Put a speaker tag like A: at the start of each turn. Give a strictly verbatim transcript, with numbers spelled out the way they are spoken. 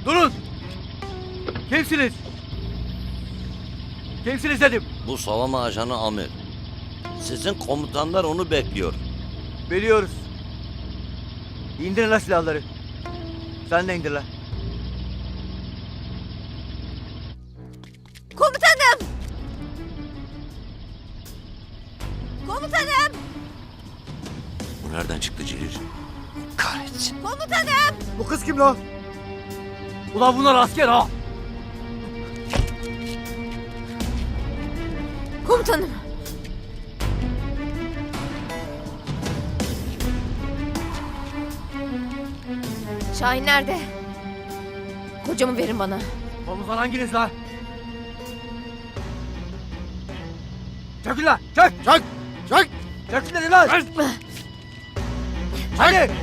A: Durun! Kimsiniz? Kimsiniz dedim.
B: Bu savunma ajanı Amir. Sizin komutanlar onu bekliyor.
A: Biliyoruz. İndirin la silahları. Sen de indir la.
C: Komutanım! Komutanım!
B: Bu nereden çıktı Celil? Kahretsin.
C: Komutanım!
A: Bu kız kim la? Ulan bunlar asker ha!
C: Komutanım! Şahin nerede? Kocamı verin bana.
A: Komutan hanginiz la? Çökün la! Çök! Çök! Çök! Çökün dedi lan! Hadi!